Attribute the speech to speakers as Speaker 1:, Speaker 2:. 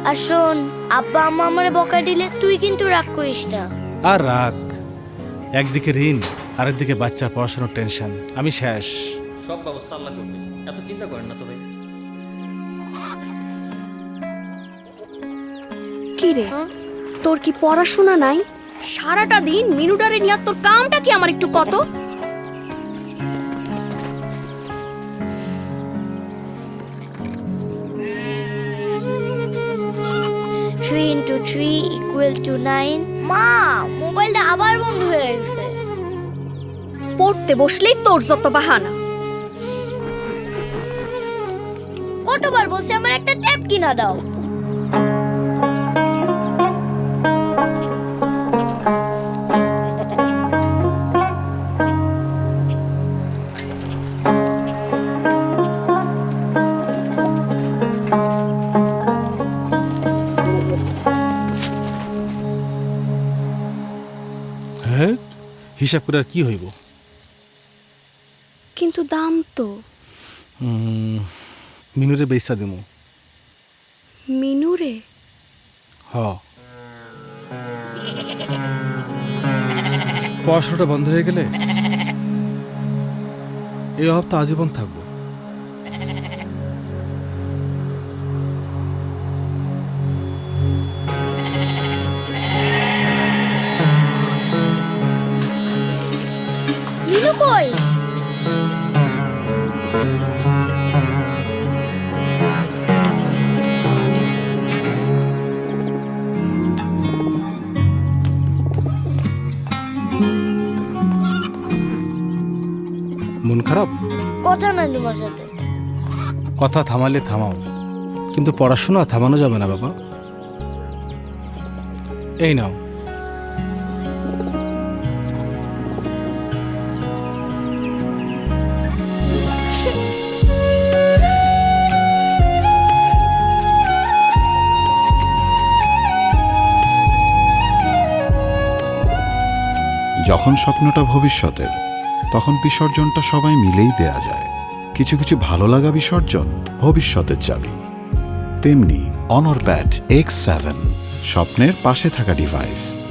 Speaker 1: আর শোন, আব্বা আম্মা আমারে বকা দিলে তুই কিন্তু রাগ করিস না।
Speaker 2: আর রাগ, একদিকে ঋণ আর একদিকে বাচ্চার পড়াশোনার টেনশন, আমি শেষ।
Speaker 3: সব ব্যবস্থা আল্লাহ করবে, এত চিন্তা করেন না তো ভাই।
Speaker 4: কি রে, তোর কি পড়াশোনা নাই? সারাটা দিন মিনুডারে নিয়ে তোর কামটা কি আমার একটু কত?
Speaker 1: 3 into 3 equal to 9। মা, মোবাইলটা আবার বন্ধ হয়ে গেছে।
Speaker 4: পড়তে বসলেই তোর যত বাহানা।
Speaker 1: কতবার বলছি আমার একটা ট্যাব কিনা দাও।
Speaker 2: হ্যাঁ, হিসাব করে আর কি হইব?
Speaker 4: কিন্তু দাম তো।
Speaker 2: মিনুরে বেচা দিমু।
Speaker 4: মিনুরে?
Speaker 2: হ, পড়াশোনাটা বন্ধ হয়ে গেলে এই অভাব তো আজীবন থাকবো।
Speaker 1: মিনু কই?
Speaker 2: মন খারাপ?
Speaker 1: কথা নাই তোমার সাথে।
Speaker 2: কথা থামালে থামাও, কিন্তু পড়াশোনা থামানো যাবে না বাবা। এই নাও।
Speaker 5: যখন স্বপ্নটা ভবিষ্যতের, তখন বিসর্জনটা সবাই মিলেই দেয়া যায়। কিছু কিছু ভালো লাগা বিসর্জন ভবিষ্যতের চাবি। তেমনি অনর ব্যাট X7, স্বপ্নের পাশে থাকা ডিভাইস।